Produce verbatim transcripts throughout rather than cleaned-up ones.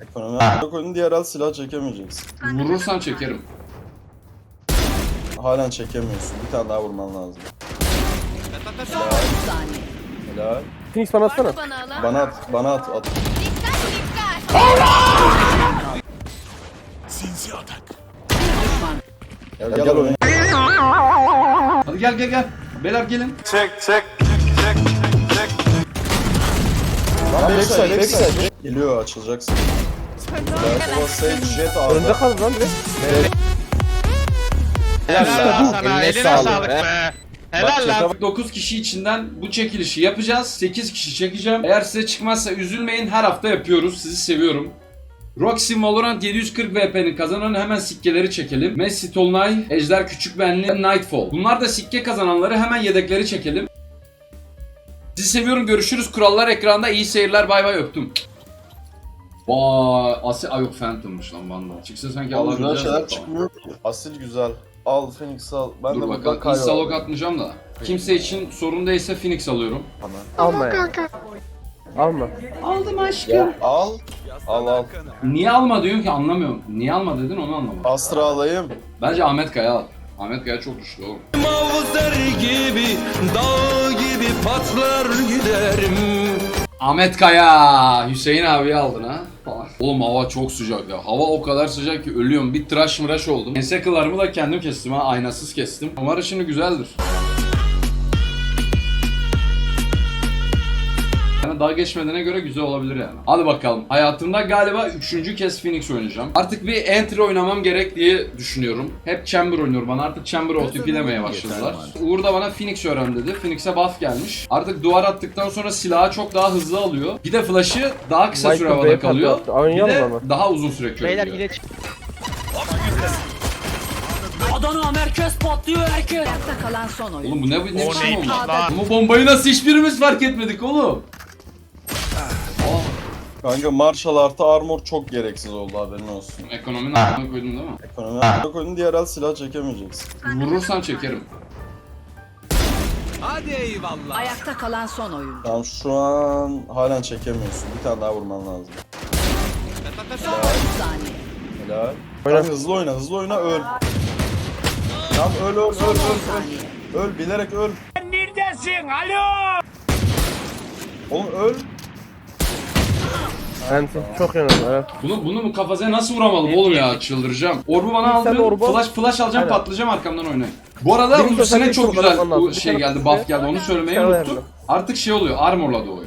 Ekonomi koydun diğer el silah çekemeyeceksin. Vurursan çekerim. Halen çekemiyorsun. Bir tane daha vurman lazım. Helal. Helal. Phoenix bana atsana. Bana at, bana at, at. Sinsi atak. Gel gel, gel oyna. Hadi gel gel gel. Beyler gelin. Lan backside, backside. Geliyor, açılacaksın. Helal. Sage jet aldı. Önünde kaldı lan direkt. Helal sana, eline sağlık be. Helal lan. dokuz kişi içinden bu çekilişi yapacağız. sekiz kişi çekeceğim. Eğer size çıkmazsa üzülmeyin. Her hafta yapıyoruz. Sizi seviyorum. Roxy Valorant yedi yüz kırk V P'nin kazananı hemen sikkeleri çekelim. Messi Tolunay, Ejder Küçükbenli, Nightfall. Bunlar da sikke kazananları hemen yedekleri çekelim. Sizi seviyorum. Görüşürüz. Kurallar ekranda. İyi seyirler. Bay bay öptüm. Vay, Asil, ay yok Phantom'mış lan banda. Çıksa sanki Allah güzel alabileceğiz. şeyler çıkmıyor ki. Asil güzel. Al Phoenix al. Ben Dur de bakalım. buradan kaybol. Instalok atmayacağım da. Kimse için sorun değilse Phoenix alıyorum. Alma ya. Alma. Aldım aşkım. Al. Al al. Niye alma diyorsun ki anlamıyorum. Niye alma dedin onu anlamadım. Astra alayım. Bence Ahmet Kaya al. Ahmet Kaya çok güçlü oğlum. Mavzer gibi, dağ gibi patlar giderim. Ahmet Kaya! Hüseyin abi aldın ha. Falan. Oğlum hava çok sıcak ya. Hava o kadar sıcak ki ölüyorum. Bir tıraş mıraş oldum. Ense kıllarımı da kendim kestim ha. Aynasız kestim. Umarım şimdi güzeldir. Yani daha geçmediğine göre güzel olabilir yani. Hadi bakalım. Hayatımda galiba üçüncü kez Phoenix oynayacağım. Artık bir entry oynamam gerek diye düşünüyorum. Hep Chamber oynuyorum. Bana artık Chamber O T P demeye başladılar. Uğur da bana Phoenix öğren dedi. Phoenix'e buff gelmiş. Artık duvar attıktan sonra silahı çok daha hızlı alıyor. Bir de flash'ı daha kısa süre Michael havada Bay kalıyor. patlattı. Bir Oynayalım de ama. daha uzun süre körüyor. Beyler yine çık. Adana merkez patlıyor herkes. Ayakta kalan son oyun. Oğlum bu ne, ne biçim neymiş oldu? lan? Bu bombayı nasıl hiçbirimiz fark etmedik oğlum? Kanka Marshall artı armor çok gereksiz oldu, haberin olsun. Ekonominin altına koydun değil mi? Ekonomi koydun diğer el silah çekemeyeceksin. Vurursan çekerim. Hadi eyvallah. Ayakta kalan son oyun. Tamam şu an halen çekemiyorsun. Bir tane daha vurman lazım. Son otuz saniye. Helal. Oyna. Tamam, hızlı oyna, hızlı oyna, öl. Tamam öl öl öl Son öl on öl. saniye. Öl bilerek öl. Neredesin? Alo. Oğlum öl. Enti. Çok yanıldı. Evet. Bunu bunu mu kafasına nasıl vuramadım oğlum ya, çıldıracağım. Orbu bana Sen de aldın. orbu al. Flash flash alacağım, Aynen. patlayacağım, arkamdan oynayın. Bu arada Birinci ultisine özelliği çok çok güzel önemli lazım. bu Bir şey tane geldi, ultisi- buff geldi. Onu söylemeyi Bir tane unuttuk. önemli. Artık şey oluyor, armorla doğuyor.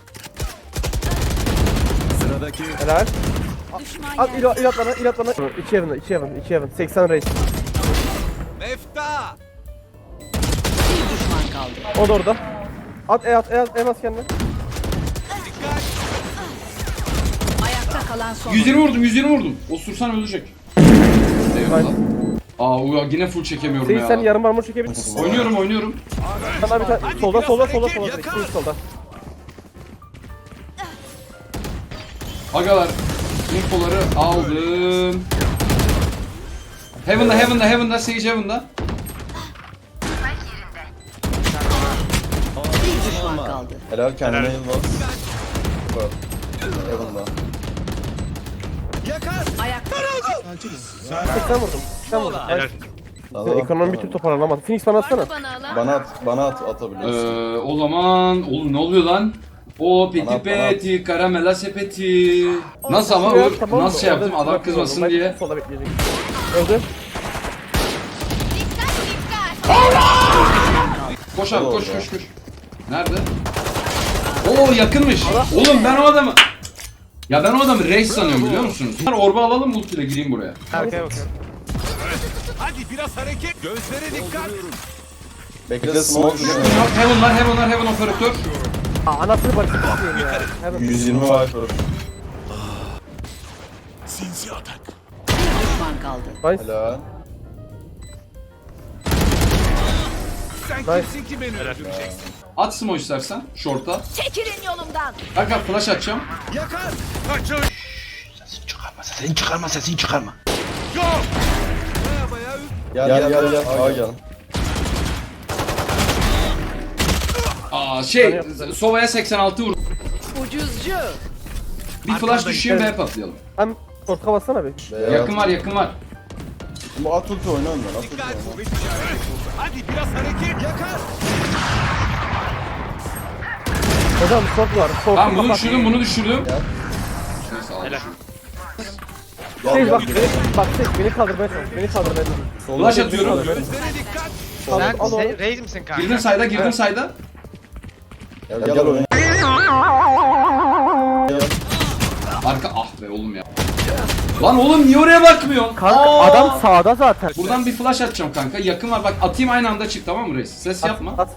Sıradaki Helal. Düşman At yer. ilo ilat bana ilat bana. İki evinde iki evinde iki evinde. seksen reis. Mefta. Bir düşman kaldı. O da orada. At e at e at e bas kendine. Ayakta kalan son yüz oyun. yirmi vurdum, yüz yirmi vurdum. Osursan ölecek. Eyvallah. Aa uya yine full çekemiyorum Seyit sen ya. yarım armor çekebilirsin. Oynuyorum oynuyorum. Sana bir tane solda solda solda solda direkt Seyit solda. Agalar, infoları aldım. Heaven'da, Heaven'da, Heaven'da, Sage Heaven'da. Bir düşman kaldı. Helal, kendine heal bas. Bak. Eyvallah. Yakar. Ayakta seksen vurdum. seksen vurdum. Helal. Tamam, Ekonomi bir tamam. türlü toparlanamadı. Phoenix bana atsana. Bana at, bana at, Ee, atabiliyorsun. o zaman, oğlum ne oluyor lan? O peti Bana- bana- peti, karamela sepeti. Nasıl ama Şuraya Uğur, tamam mı? nasıl şey yaptım, Orada adam bırakıyorum. kızmasın Ben diye. Solda bekleyecek. Öldü. Koş abi, koş Orada. koş koş. Nerede? Oo yakınmış. Oğlum ben o adamı... Ya ben o adamı reis sanıyorum biliyor musunuz? Ben orba alalım, ultiyle gireyim buraya. Arkaya bakıyorum. Hadi biraz hareket. Gözlere dikkat. Bekle, smoke düşüyor. Heaven var, Heaven var, Heaven operatör. Aa, anasını barışık istiyorum ya. Hemen. yüz yirmi Viper. Sinsi atak. bir düşman kaldı. Nice. Helal. Sen Nice. kimsin ki beni öldüreceksin? At smoke istersen, short'a. Çekilin yolumdan. Kanka flash atacağım. Yakar. Kaçın. Sesini çıkarma, sesini çıkarma, sesini çıkarma. Yok. Baya baya Gel gel gel gel. Aa gel. Aa şey, Sova'ya seksen altı vur. Ucuzcu. Bir flash düşeyim B patlayalım. Hem portka bassana bir. Veya Yakın var yakın var. Bu at ulti oyna önden. At ulti Dikkat, oyna. kuvvet işareti. Hadi biraz hareket. Yakar. Hocam short var. Short Tamam bunu kapat. düşürdüm bunu düşürdüm. Gel. Neyse al. Helal. Gel Sage gel. bak beni, bak Sage beni kaldırmaya çalış. Beni kaldırmaya çalış. Soluna Flash atıyorum. Gözlere dikkat. Sen Al onu. se- raise misin kanka? Girdim sayda girdim sayda. Gel gel oyna. Arka ah be oğlum ya. Lan oğlum niye oraya bakmıyorsun? Kanka Aa! adam sağda zaten. Buradan bir flash atacağım kanka. Yakın var bak atayım aynı anda çık tamam mı reis? Ses yapma. At.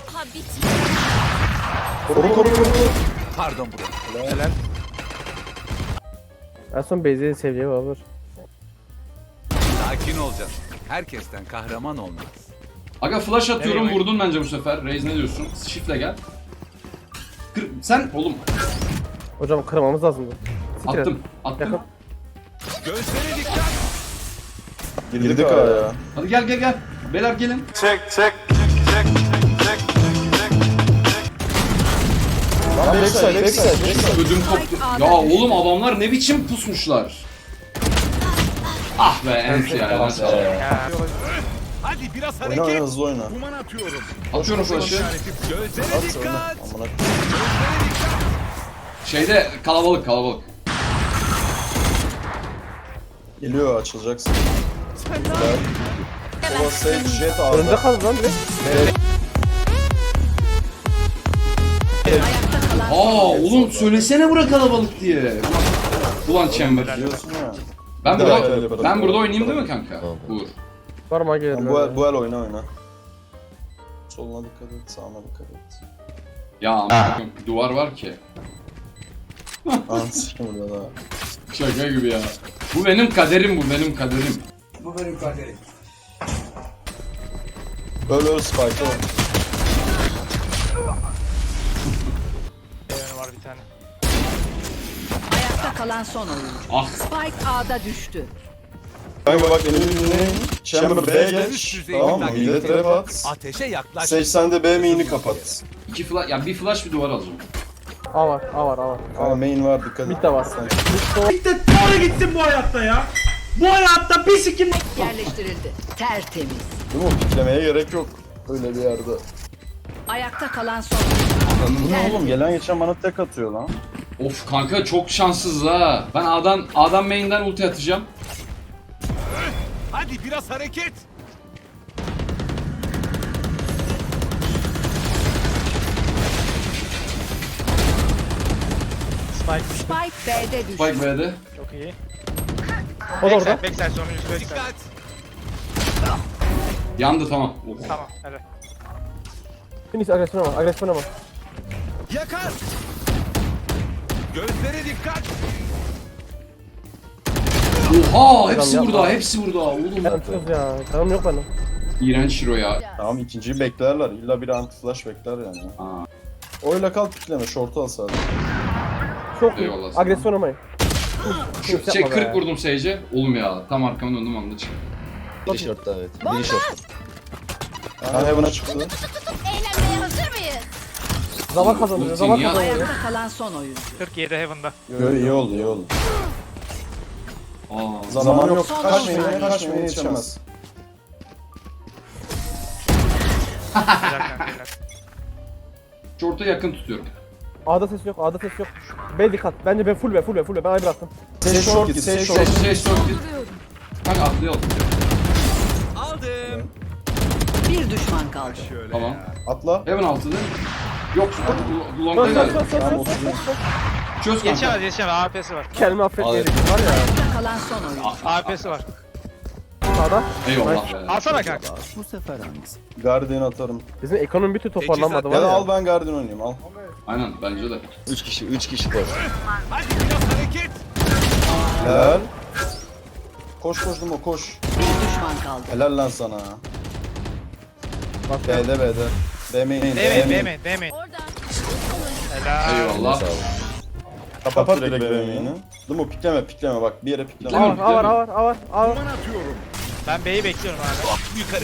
Koru koru koru. Pardon bro. En son Beyzi'yi seveceği var. Sakin olacaksın. Herkesten kahraman olmaz. Aga flash atıyorum Nereye? vurdun bence bu sefer. Reis ne diyorsun? Shift'le gel. Kır, sen oğlum Hocam kırmamız lazımdı. Siktir et. attım attım. Yakın. Gözlere dikkat. Girdik araya. Hadi gel gel gel. Beyler gelin. Lan backside backside backside. Ödüm koptu. Ya oğlum adamlar ne biçim pusmuşlar. Ah be ent ya. nasıl aldım? Ya. Hadi biraz Oyna oyna hareket. hızlı oyna. Kuman atıyorum. Atıyorum flash'ı. Gözlere At oyna. dikkat. Amına. Gözlere dikkat. Şeyde kalabalık kalabalık. Geliyor açılacaksın. Güzel. O Sage jet Önünde aldı. kaldı lan direkt. Ayakta kalan Aa oğlum söylesene bura kalabalık diye. Ulan Chamber. Biliyorsun ya. Ben Bir daha burada öyle bırak. ben burada oynayayım değil mi kanka? Uğur. Var mı gelir? Tamam, bu el, bu el oyna oyna. Soluna dikkat et, sağına dikkat et. Ya amına koyayım, bir duvar var ki. Anasını burada da. Şaka gibi ya. Bu benim kaderim bu benim kaderim. Öl öl Spike o. Evren var bir tane. ayakta kalan son oyuncu. Ah Spike A'da düştü. Kanka bak benim dinleyin. Chamber B'ye Üst geç. düzey Tamam mı? takip Hile et. trap at. Ateşe yaklaş. Sage sen de B main'i kapat. iki flash ya bir flash bir duvar alacağım. A var, A var, A var. Ama main var dikkat et. Mid de var. Yerleştirildi. Tertemiz. Değil mi? Piklemeye gerek yok. Öyle bir yerde. Ayakta kalan son oyuncu. Bu ne oğlum? Gelen geçen bana tek atıyor lan. Of kanka çok şanssız ha. Ben A'dan A'dan main'den ulti atacağım. Hadi biraz hareket. Spike. Spike B'de düştü. Spike B'de. Çok iyi. O da Backside, orada. backside sonuncusu backside. Dikkat. Yandı tamam. Of. Tamam, helal. Finish agresyon ama, agresyon ama. Yakar. Gözlere dikkat. Oha hepsi Yapma. burada hepsi burada oğlum. Ben çıkıyoruz ya. Canım yok bende. İğrenç Shiro ya. Tamam ikinciyi beklerler. İlla bir anti flash bekler yani. Aa, Oyla kal pikleme. Short'u al sadece. Çok iyi. Eyvallah sana. Agresyon ama. şu, şey kırk vurdum Sage'e. Oğlum ya tam arkamı döndüm anda çıktı. Biri shortta evet. Biri short. Ha Heaven'a çıktı. Eğlenmeye hazır mıyız? Zaman kazanıyor, Ulti zaman niye- kazanıyor. Ayakta kalan son oyuncu. kırk yedi Heaven'da. Yo, iyi oldu iyi oldu. Aa, Zaman yok. Son Kaçmayın saniye. kaçmayın yetişemez. Helal kanka, helal. short'a yakın tutuyorum. A'da ses yok, A'da ses yok. B dikkat. Bence ben full B, full B, full B. Ben A'yı bıraktım. Sage short git. Sage short. Sage Sage short git. Kanka atlayalım. Aldım. Bir düşman kaldı. Şöyle Tamam. ya. Atla. Hemen altıda. Yok Söz, long'da söz, geldi. söz, söz, Tamam söz, söz, otuz. söz. Çöz kanka. Yetişemez, yetişemez. A P'si var. Kendimi affetmeyelim. Var ya. Ayakta kalan son oyuncu. A P'si var. Sağda. Eyvallah be. Alsana kanka. Guardian atarım. Bizim ekonomi bir türlü toparlanmadı var Ya da ya. al ben Guardian oynayayım al. Aynen bence de. üç kişi, üç kişi koş. Hadi biraz hareket. Helal. Koş koş Dumo koş. Bir düşman kaldı. Helal lan sana. Bak B'de B'de. B main. Değmeyin, değmeyin, değmeyin. Helal. Eyvallah. Kapat direkt B main'i. Dumo pikleme pikleme bak bir yere pikleme. A var, A var, A var, A var, A var. Kuman atıyorum. Ben B'yi bekliyorum abi. Yukarı.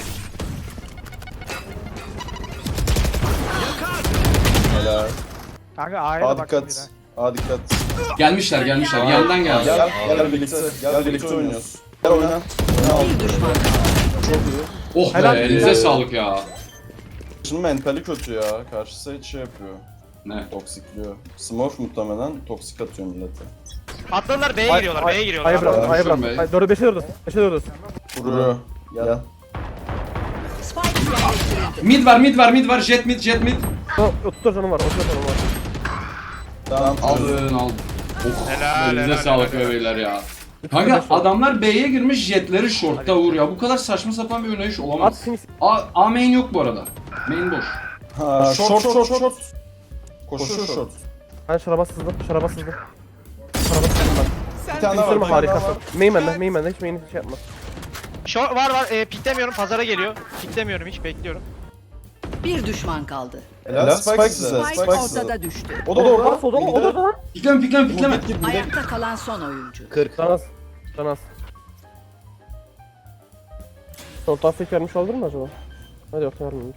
Yakar. Helal. Kanka A'ya A da baktım dikkat. bir Aa dikkat. Gelmişler gelmişler yandan geldi. Gel gel birlikte. Gel birlikte oynuyoruz. Gel oyna. Oyna. Bir düşman kaldı. Oh be Helal. elinize sağlık ya. Şimdi mentali kötü ya. Karşısı hiç şey yapıyor. Ne? Toksikliyor. Smurf muhtemelen toksik atıyor millete. Atladılar B'ye Ay- giriyorlar, ay- B'ye giriyorlar. A'ya bıraktım, A'ya Konuşuyorum bıraktım. be. Ay, dörde beşe dördüz. Beşe dördüz. Vuruyor. Gel. Spike yerleştirildi. Mid var mid var mid var jet mid jet mid. otuz dört canım var, otuz dört canım var. Tamam al. Aldın aldın. Oh Helal, elinize helal, sağlık helal. be beyler ya. Kanka adamlar B'ye girmiş jetleri short'ta Uğur ya. Bu kadar saçma sapan bir oynayış At olamaz. finish. A, A main yok bu arada. Main boş. Ha, short short short short. Koşuyor short. Ben şaraba sızdım, şaraba sızdım. Şaraba sızdım ben. Bir tane daha var. Sırma bir tane daha harikasın. var. Main bende, main bende. Hiç main'i şey yapma. Short var var, e, piklemiyorum, pazara geliyor. Piklemiyorum hiç, bekliyorum. Bir düşman kaldı. Helal Spike size. Spike Spike size. ortada düştü. O da orada. O da o da o da lan. Pikleme pikleme pikleme. Git git. Ayakta kalan son oyuncu. kırk. Canaz. Canaz. Sol tasdik vermiş olur mu acaba? Hadi yok vermemiş.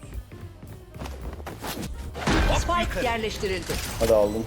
Spike yerleştirildi. Hadi aldım.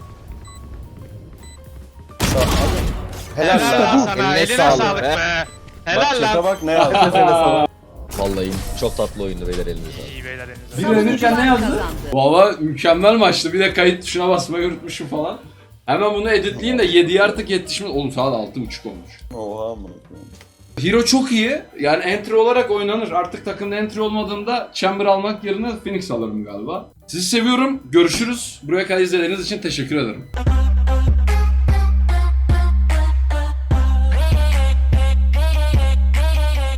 Helal, Helal lan sana, eline sağlık, be. Bak Helal chat'e lan. bak ne yazdı. Vallahi çok tatlı oyundu beyler elinize sağlık. İyi beyler elinize. Bir sağlık. öğrenirken ne yazdı? Kazandı. Valla mükemmel maçtı. Bir de kayıt tuşuna basmayı unutmuşum falan. Hemen bunu editleyeyim de yediye artık yetişmiş. Oğlum saat altı buçuk olmuş. Oha amına koyayım. Hero çok iyi. Yani entry olarak oynanır. Artık takımda entry olmadığında Chamber almak yerine Phoenix alırım galiba. Sizi seviyorum. Görüşürüz. Buraya kadar izlediğiniz için teşekkür ederim.